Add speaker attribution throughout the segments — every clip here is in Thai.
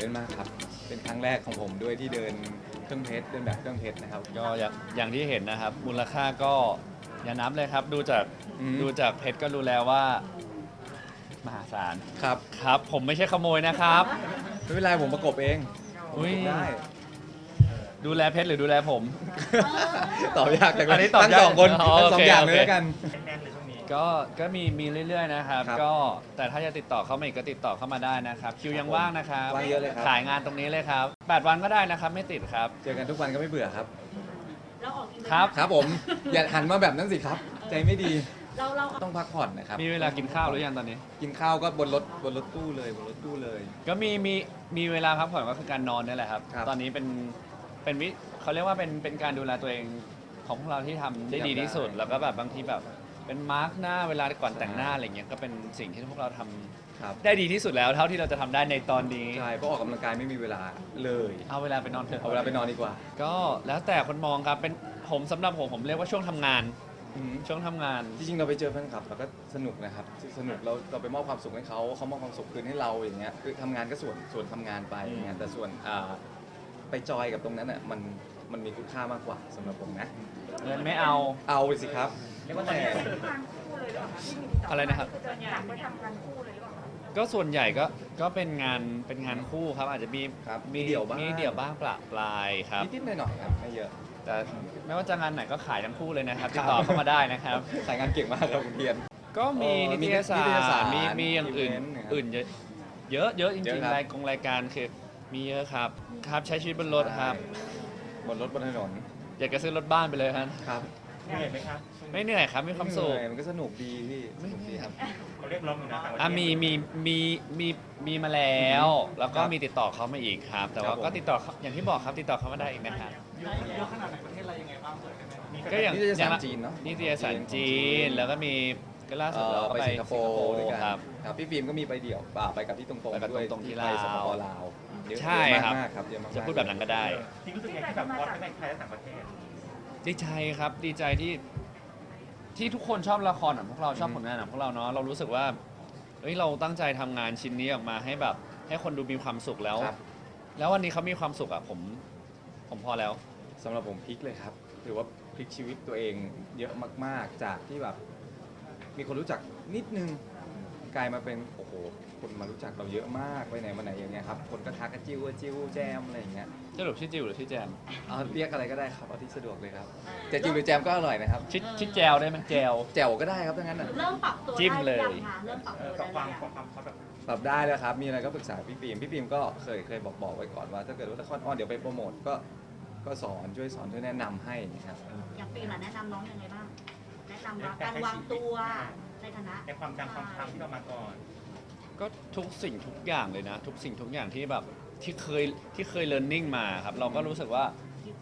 Speaker 1: ต้นมากครับเป็นครั้งแรกของผมด้วยที่เดินเครื่องเพชรเดินแบบเครื่องเพชรนะครับ
Speaker 2: ก็อย่างที่เห็นนะครับ มูลค่าก็อย่านับเลยครับ ดูจากเพชรก็รู้แล้วว่ามหาศาล
Speaker 1: ครับ
Speaker 2: ครับ ผมไม่ใช่ขโมยนะครับ
Speaker 1: ไม่เป็นไรผมประกบเอง
Speaker 2: อุ๊ย
Speaker 1: ได้
Speaker 2: ดูแลเพชรหรือดูแลผม
Speaker 1: ตอบยากจังเล
Speaker 2: อันนี้
Speaker 1: ย
Speaker 2: ตอบ
Speaker 1: ทั้ง
Speaker 2: ยาก
Speaker 1: สองคน
Speaker 2: อ๋อ
Speaker 1: ทั้งสอง
Speaker 2: โอเค
Speaker 1: อย่าง
Speaker 2: โอ
Speaker 1: เล
Speaker 2: เค
Speaker 1: ยแล้วกัน
Speaker 2: ก็มีเรื่อยๆนะครับ
Speaker 1: ครับ
Speaker 2: ก็แต่ถ้าจะติดต่อเข้ามาอีกก็ติดต่อเข้ามาได้นะครับ คิวยังว่างนะครับ
Speaker 1: ว่างเยอะเลยครับ
Speaker 2: ขายงานตรงนี้เลยครับ8 วันก็ได้นะครับ ไม่ติดครับ
Speaker 1: เจอกันทุกวันก็ไม่เบื่อครับ
Speaker 3: เราออกอีเวนต์
Speaker 2: ครับ
Speaker 1: ครับผมอย่าหันมาแบบนั้นสิครับ ใจไม่ดี
Speaker 3: เรา
Speaker 1: ต้องพักผ่อนนะครับ
Speaker 2: มีเวลากินข้าวหรือยังตอนนี้
Speaker 1: กินข้าวก็บนรถตู้เลยบนรถตู้เลย
Speaker 2: ก็มีเวลาพักผ่อนก็คือการนอนนี่แหละครับ
Speaker 1: ครับ
Speaker 2: ตอนนี้เป็นเขาเรียกว่าเป็นการดูแลตัวเองของพวกเราที่ทำได้ดีที่สุด
Speaker 1: ได้
Speaker 2: แล้วก็แบบบางทีแบบเป็นมาร์กหน้าเวลาก่อนแต่งหน้าอะไรเงี้ยก็เป็นสิ่งที่พวกเราทำ
Speaker 1: ครับ
Speaker 2: ได้ดีที่สุดแล้วเท่าที่เราจะทำได้ในตอนนี้
Speaker 1: ใช่เพราะออกกำลังกายไม่มีเวลาเลย
Speaker 2: เอาเวลาไปนอนเถอะ
Speaker 1: เอาเวลาไปนอนดีกว่า
Speaker 2: ก็แล้วแต่คนมองครับเป็นผมสำหรับผมเรียกว่าช่วงทำงาน
Speaker 1: อืม
Speaker 2: ช่วงทำงาน
Speaker 1: จริงๆเราไปเจอแฟนคลับเราก็สนุกนะครับสนุกเราไปมอบความสุขให้เขามอบความสุขคืนให้เราอย่างเงี้ยคือทำงานก็ส่วนทำงานไปอย่างเงี้ยแต่ส่วนไปจอยกับตรงนั้นอ่ะมันมีคุณค่ามากกว่าสำหรับผมนะ
Speaker 2: เงินไม่เอา
Speaker 1: เอาไปสิครับแต่
Speaker 2: อะไรนะครับ
Speaker 3: อยากไปทำงานคู่เลยหรือเปล่าคะ
Speaker 2: ก็ส่วนใหญ่ก็เป็นงานคู่ครับ อาจจะมี
Speaker 1: ครับมีเดี่ยวบ้าง
Speaker 2: มีเดี่ยวบ้างปละปลายครับ
Speaker 1: นิดๆหน่อยๆครับไม่เยอะ
Speaker 2: แต่ไม่ว่าจะงานไหนก็ขายทั้งคู่เลยนะครับติดต่อเข้ามาได้นะครับ
Speaker 1: สายงานเก่งมากครับคุณเทียน
Speaker 2: ก็มี
Speaker 1: มี
Speaker 2: นิตยสา
Speaker 1: นิตยสาร ร
Speaker 2: มีอย่างอื่น
Speaker 1: อีเวนต์นะครับ
Speaker 2: อื่นเยอะเยอะจ
Speaker 1: เย
Speaker 2: ริง
Speaker 1: อะครับ
Speaker 2: ๆรายการคือมีเยอะครับใช้ชีวิตบนรถครับ
Speaker 1: บนรถบนถนน
Speaker 2: อยากจะซื้อรถบ้านไปเลยครับ
Speaker 1: ครับ
Speaker 4: เหนื่อยไหมครับ
Speaker 2: ไม่เหนื่อยครับมีความสุข
Speaker 1: เหนื่อยมันก็สนุกดีพี่สนุกดีครับ
Speaker 4: เขาเรียกร้องอยู่นะต่างประเทศ
Speaker 2: มีมาแล้ว แล้วก็
Speaker 1: ครับ
Speaker 2: มีติดต่อเขามาอีกครับ แต่
Speaker 1: ครั
Speaker 2: ว่า
Speaker 1: บผม
Speaker 2: ก็ติดต่อเขาอย่างที่บอกครับติดต่อเขามาได้อีกนะครับ
Speaker 4: เยอะขนาดไหนประเทศอะไรยังไงบ้างเปิดได้ไหมมี
Speaker 2: ก็อย่าง
Speaker 1: นิตยสารจีนเนาะ
Speaker 2: นิตยสารจีนแล้วก็มีก็ล่าสุดเราก็
Speaker 1: ไป
Speaker 2: ไป
Speaker 1: สิงคโปร์ด้วยกัน
Speaker 2: ครับ
Speaker 1: ครับพี่ฟิล์มก็มีไปเดี่ยวไปกับที่ตรงๆ
Speaker 2: ไปกับ
Speaker 1: ด้วย
Speaker 2: ตรงๆที่
Speaker 1: ไป
Speaker 2: ลาว
Speaker 1: สปปลาวเยอะ
Speaker 2: ใช่ครับ
Speaker 1: มากๆครับเยอะมากๆ
Speaker 2: จะพูดแบบนั้นก็ได้
Speaker 4: ที่รู้สึกยังไงที่แบบวอดทั้งในไทยและต่างประเทศ
Speaker 2: ดีใจครับดีใจที่ทุกคนชอบละครของพวกเราชอบผลงานของพวกเราเนาะเรารู้สึกว่าเอ้ยเราตั้งใจทำงานชิ้นนี้ออกมาให้แบบให้คนดูมีความสุขแล้ว
Speaker 1: ครับ
Speaker 2: แล้ววันนี้เขามีความสุขอะผมพอแล้ว
Speaker 1: สำหรับผมพลิกเลยครับถือว่าพลิกชีวิตตัวเองเยอะมากๆ จากที่แบบมีคนรู้จักนิดนึงกลายมาเป็นโอ้โหคนมารู้จักเราเยอะมากไปไหนมาไหนอย่างเงี้ยครับคนก็ทักกันจิ้วแจมอะไรอย่างเงี้ย
Speaker 2: สรุปชื่อจิวหรือชื่อแจม
Speaker 1: เอาเรียกอะไรก็ได้ครับเอาที่สะดวกเลยครับจะจิ้วหรือแจมก็อร่อยนะครับ
Speaker 2: ชื่อแจวได้ไหมแจว
Speaker 1: แจ่วก็ได้ครับถ้างั้นน่ะ
Speaker 3: เริ่มปรับตัว
Speaker 2: จิ้มเลย
Speaker 3: ได้หรือยังคะเริ่มปรับตัว
Speaker 4: กับค
Speaker 3: ได้
Speaker 4: วาม
Speaker 3: หรือยัง
Speaker 4: ความเขาแบบ
Speaker 1: ปรับได้แล้วครับมีอะไรก็ปรึกษาพี่ฟิล์มก็เคยบอกไว้ก่อนว่า ถ้าเกิดว่าละครออนเดี๋ยวไปโปรโมทก็สอนช่วยแนะนำให้นะครับ
Speaker 3: อย่างปีน่ะแนะนำน้องยังไงบ้าง แนะนำว่าการวางตัวในฐานะ
Speaker 4: ในความจำความจำที่เรามาก่อน
Speaker 2: ก็ทุกสิ่งทุกอย่างเลยนะ ทุกสิ่งทุกอย่างที่แบบที่เคย learning มาครับเราก็รู้สึกว่า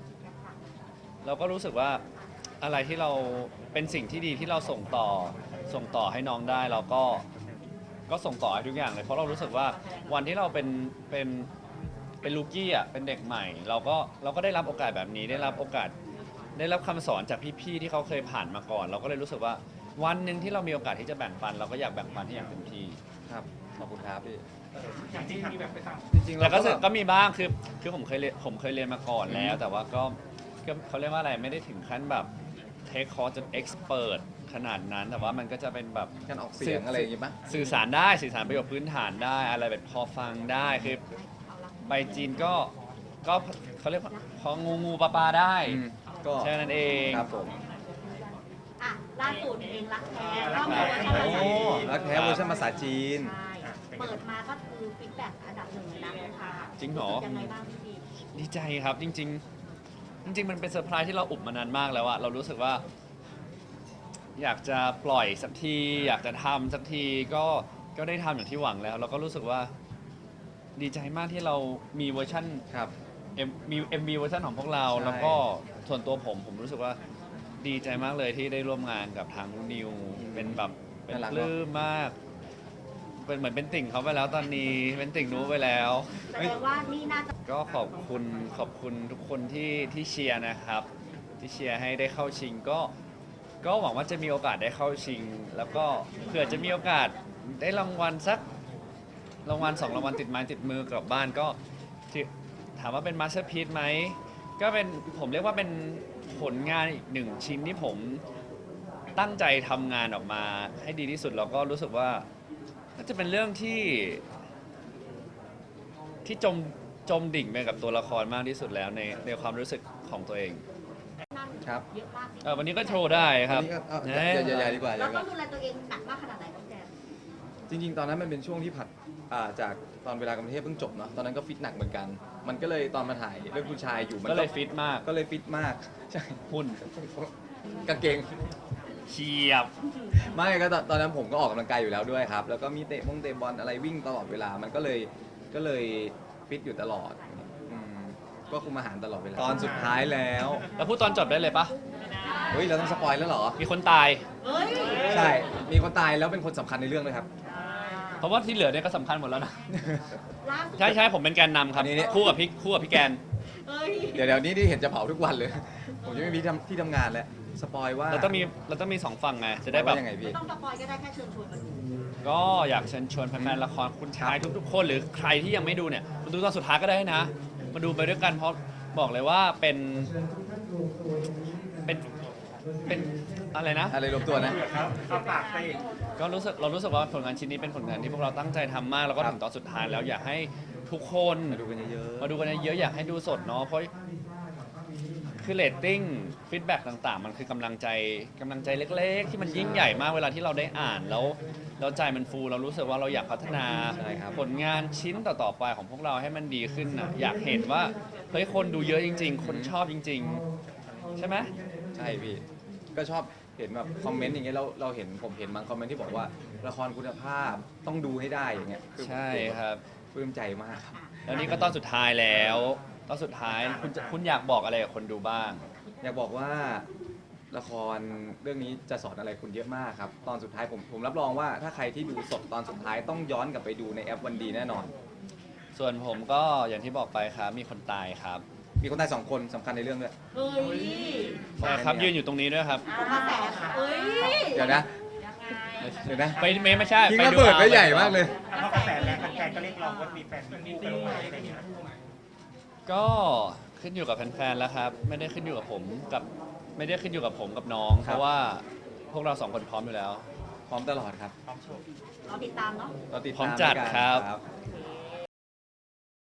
Speaker 2: อะไรที่เราเป็นสิ่งที่ดีที่เราส่งต่อให้น้องได้เราก็ส่งต่อให้ทุกอย่างเลยเพราะเรารู้สึกว่าวันที่เราเป็นลูกี้อ่ะเป็นเด็กใหม่ เราก็ได้รับโอกาสแบบนี้ได้รับคำสอนจากพี่ๆที่เขาเคยผ่านมาก่อน เราก็เลยรู้สึกว่าวันหนึ่งที่เรามีโอกาสที่จะแบ่งปัน เราก็อยากแบ่งปันให้อย่างเต็มที่
Speaker 1: ครับขอบคุณครับพี่
Speaker 4: อย่างที่มีแบบไปต่าง
Speaker 1: จริงๆ
Speaker 2: แต่
Speaker 1: เรา
Speaker 2: ก็
Speaker 1: ก็แบบ
Speaker 2: ก็มีบ้างคือผมเคยเรียนมาก่อนแล้ว แต่ว่าก็เขาเรียกว่าอะไรไม่ได้ถึงขั้นแบบเทคคอร์สจนเอ็กซ์เขนาดนั้น แต่ว่ามันก็จะเป็นแบบ
Speaker 1: การออกเสียงอะไรอย่างงี้ปะ
Speaker 2: สื่อสารประโยชน์พื้นฐานได้อะไรแบบพอฟังได้คือไปจีนก็เขาเรียกว่าพองูปลาได้
Speaker 1: ก็
Speaker 2: แค่นั้นเอง
Speaker 1: ครับผม
Speaker 3: อ่ะล่าสุดเองรักแท้ก็มีเวอร์ชันภาษา
Speaker 1: โอ้
Speaker 3: จีน
Speaker 1: รักแท้เวอร์ชันภาษาจีน
Speaker 3: ใช่เปิดมาก็คือฟีดแบ็กอันดับหนึ่งเลยนะลูกค้า
Speaker 2: จริงเหรอ
Speaker 3: ยังไงบ้างพี่พี
Speaker 2: ดีใจครับจริง ๆ มันเป็นเซอร์ไพรส์ที่เราอุบมานานมากแล้วอะเรารู้สึกว่า อยากจะปล่อยสักทีอยากจะทำสักทีก็ได้ทำอย่างที่หวังแล้ว เราก็รู้สึกว่าดีใจมากที่เรามีเวอร์ชัน
Speaker 1: ครับ
Speaker 2: มี MV เวอร์ชันของพวกเรา
Speaker 1: ใช่
Speaker 2: แล้วก็ส่วนตัวผมรู้สึกว่าดีใจมากเลยที่ได้ร่วมงานกับทางนิวเป็นแบบเป็นปลื้มมากเป็นเหมือนเป็นติ่งเขาไปแล้วตอนนี้เป็นติ่งนู้ไปแล้ว
Speaker 3: แสดงว่านี่น่าจะ
Speaker 2: ก็ขอบคุณทุกคนที่เชียร์นะครับ ที่เชียร์ให้ได้เข้าชิงก็หวังว่าจะมีโอกาสได้เข้าชิง แล้วก็เผื่อจะมีโอกาสได้รางวัลสักรางวัล2รางวัลติดไม้ติดมือกลับบ้านก็ที่ถามว่าเป็นมาสเตอร์พีซไหมก็เป็นผมเรียกว่าเป็นผลงานอีกหนึ่งชิ้นที่ผมตั้งใจทำงานออกมาให้ดีที่สุดแล้วก็รู้สึกว่าน่าจะเป็นเรื่องที่จมดิ่งไปกับตัวละครมากที่สุดแล้วในความรู้สึกของตัวเอง
Speaker 3: นั่น
Speaker 1: ครับ
Speaker 3: เยอะมาก
Speaker 2: วันนี้ก็โชว์ได้ครับ
Speaker 1: อันนี้ก็อย่าดีกว่าอย่า
Speaker 3: เรา
Speaker 1: ดีก
Speaker 3: ต้อ
Speaker 1: ว่า
Speaker 3: งดูแลตัวเองหนักมากขนาดไหนพี่แจม
Speaker 1: จริงๆ ตอนนั้นมันเป็นช่วงที่ผัดจากตอนเวลากรุงเทพเพิ่งจบเนาะตอนนั้นก็ฟิตหนักเหมือนกัน มันก็เลยตอนมาถ่ายเรื่องผู้ชายอยู่มัน
Speaker 2: ก็เลยฟิตมาก
Speaker 1: ก็เลยฟิตมากใช่
Speaker 2: หุ่น
Speaker 1: กางเกง
Speaker 2: เฉียบ
Speaker 1: ไม่ก็ตอนนั้นผมก็ออกกำลังกายอยู่แล้วด้วยครับ แล้วก็มีเตะบอลอะไรวิ่งตลอดเวลา มันก็เลยฟิตอยู่ตลอดอืมก็คุมอาหารตลอดเวลา ตอนสุดท้ายแล้ว
Speaker 2: แล้วพูดตอนจบได้เลยปะ
Speaker 1: เฮ้ย เราต้องสปอยแล้วเหรอ
Speaker 2: มีคนตาย
Speaker 3: เฮ้ย
Speaker 1: ใช่ มีคนตายแล้วเป็นคนสำคัญในเรื่องเลยครับ
Speaker 2: เพราะว่าที่เหลือเนี่ยก็สำคัญหมดแล้วนะ
Speaker 3: ล่าสุด
Speaker 2: ใช่ผมเป็นแกนนำครับ
Speaker 1: อันนี้
Speaker 2: คู่กับพี่แกน
Speaker 3: เฮ้ย
Speaker 1: เดี๋ยวนี้ที่เห็นจะเผาทุกวันเลย ผมจะไม่มีที่ทำงานแล้ว สปอยว่า
Speaker 2: เราต้องมี2ฝั่งไงจะได้แบบ
Speaker 1: ว่ายังไงพี่
Speaker 3: ไม่ต้องสปอยก็ได้แค่เชิญชวนมาดู
Speaker 2: ก็อยากเชิญชวนแฟนๆละครคุณชายทุกๆคนหรือใครที่ยังไม่ดูเนี่ยมาดูตอนสุดท้ายก็ได้นะ มาดูไปด้วยกันเพราะบอกเลยว่าเป็นอะไรนะ
Speaker 1: อะไรรวมตัวนะ
Speaker 4: ครับเอาปากไป
Speaker 2: ก็เรารู้สึกว่าผลงานชิ้นนี้เป็นผลงานที่พวกเราตั้งใจทำมากแล้วก็
Speaker 1: ครับ
Speaker 2: ถึงตอนสุดท้ายแล้วอยากให้ทุกคน
Speaker 1: มาดูกันเยอะๆ
Speaker 2: มาดูกันเยอะๆอยากให้ดูสดเนาะเพราะคือเรตติ้งฟีดแบ็กต่างๆ มันคือกำลังใจเล็กๆ ที่มันยิ่งใหญ่มากเวลาที่เราได้อ่านแล้วใจมันฟูเรารู้สึกว่าเราอยากพัฒนา
Speaker 1: ใช่ครับ
Speaker 2: ผลงานชิ้นต่อๆไปของพวกเราให้มันดีขึ้นนะอยากเห็นว่าเฮ้ยคนดูเยอะจริง ๆ คนชอบจริง ๆ ใช่ไหม
Speaker 1: ใช่พี่ ก็ชอบเห็นแบบคอมเมนต์อย่างเงี้ยเราเห็นผมเห็นบางคอมเมนต์ที่บอกว่าละครคุณภาพต้องดูให้ได้อย่างเงี้ยอ
Speaker 2: ใช่ครับ
Speaker 1: ปลื้มใจมากครับ
Speaker 2: แล้วนี่ก็ตอนสุดท้ายแล้วตอนสุดท้ายคุณอยากบอกอะไรกับคนดูบ้าง
Speaker 1: อยากบอกว่าละครเรื่องนี้จะสอนอะไรคุณเยอะมากครับ ตอนสุดท้ายผมรับรองว่าถ้าใครที่ดูสดตอนสุดท้ายต้องย้อนกลับไปดูในแอปวันดีแน่นอน
Speaker 2: ส่วนผมก็อย่างที่บอกไปครับมีคนตายครับ
Speaker 1: มีคนตาย2 คนสำคัญในเรื่องด้วย
Speaker 3: เฮ้ย
Speaker 2: ใช่ครับยืนอยู่ตรงนี้ด้วยครับ
Speaker 3: เอากระแสเฮ้ย
Speaker 1: เดี๋ยวนะ
Speaker 3: ยังไง
Speaker 1: เดี๋ยวนะ
Speaker 2: ไม่ใช่
Speaker 1: ทิ้ง
Speaker 2: ไ
Speaker 1: ระเบิดไว้ใหญ่มากเลย
Speaker 4: เพราะกระแสแรงแฟนๆก็เรียกร้องว่ามีแฟนมีคู่กันลงมาอะไรอย่างเงี้ย
Speaker 2: ก็ขึ้นอยู่กับแฟนๆแล้วครับ ไม่ได้ขึ้นอยู่กับผมกับน้อง
Speaker 1: ครับ
Speaker 2: เพราะว่าพวกเรา2 คนพร้อมอยู่แล้ว
Speaker 1: พร้อมตลอดครับ
Speaker 4: พร้อมโชว์
Speaker 3: เราติดตามเนาะ
Speaker 1: เราติด
Speaker 2: พร้อ
Speaker 1: ตาม
Speaker 2: มจัด
Speaker 1: ด้วยกัน
Speaker 2: ครับ